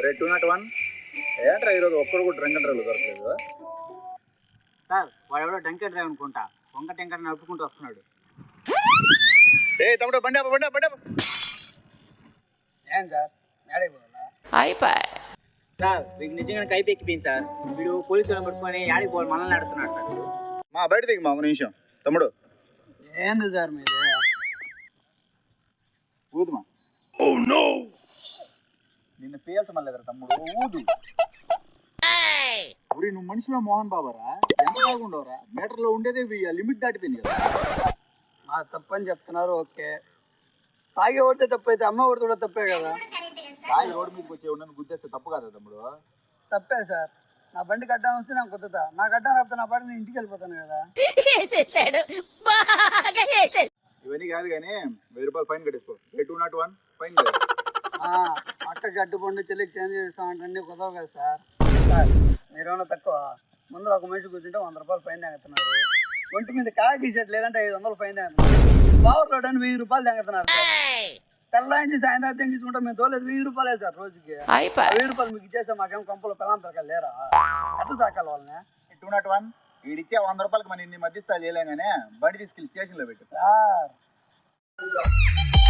రే 201 ఏంట్రా ఈరోజు ఒక్కడు కూడా డ్రంక్ అండ్ డ్రైవ్ దొరకలేదు సార్ వాడెవడో డ్రంక్ అండ్ డ్రైవ్ అనుకుంటా వంక టెంకర్ నడుపుకుంటూ వస్తున్నాడు. ఏ తమ్ముడు బండి ఆపు, బండి ఆపు, బండి ఆపు. ఏం సార్ అయిపోయి సార్ వీడికి నిజంగా కైపు ఎక్కిపోయింది సార్. వీడు పోలీసులను పట్టుకొని యాడికి పోవాలి మనల్ని ఆడుతున్నాడు సార్. వీడు మా బయట దిగు మా ఒక నిమిషం తమ్ముడు. ఏంది సార్ మీరు ఊదుమా నిన్ను పేల్చమలేదురా తమ్ముడు, ఊదు. ఊరి నువ్వు మనిషివా మోహన్ బాబారా? ఎంత బాగుండవురా? మీటర్లో ఉండేదే లిమిట్ దాటిపోయింది కదా. మా తప్పని చెప్తున్నారు ఓకే, తాగి ఓడితే తప్పు అయితే అమ్మ ఓడితే కూడా తప్పే కదా. తాగి రోడ్డు మీదకి వచ్చి ఉండని గుద్దేస్తే తప్పు కదా తమ్ముడు? తప్పే సార్. నా బండి కట్టడం వస్తే నాకు కుదుతా, నా కట్టడం రాకపోతే నా పాటు నేను ఇంటికి వెళ్ళిపోతాను కదా. ఇవన్నీ కాదు కానీ 1000 రూపాయలు ఫైన్ కట్టేసుకో. 201 ఫైన్. అక్కకి అడ్డుపండు చెల్లికి చేంజ్ చేస్తామంటే కుదరవు కదా సార్. సార్ మీరేమన్నా తక్కువ, ముందర ఒక మనిషి కూర్చుంటే 100 రూపాయలు ఫైన్ తగ్గుతున్నారు. ఒంటి మీద కాకి షర్ట్ లేదంటే 500 ఫైన్ తగ్గుతున్నారు. పవర్ లోడ్ అని 1000 రూపాయలు తగ్గుతున్నారు. తెల్లాయించి సాయంత్రం తీసుకుంటే మేము తోలేదు 1000 రూపాయలే సార్ రోజుకి. 1000 రూపాయలు మీకు ఇచ్చేసా మాకేం కంపలు పిల్లం పిల్లలు లేరా? ఎట్లా సాకాలి వాళ్ళని? 201 వీడిచ్చే 100 రూపాయలకి మన ఇన్ని మధ్యస్థాలు చేయలేం కానీ బండి తీసుకెళ్ళి స్టేషన్లో పెట్టు సార్.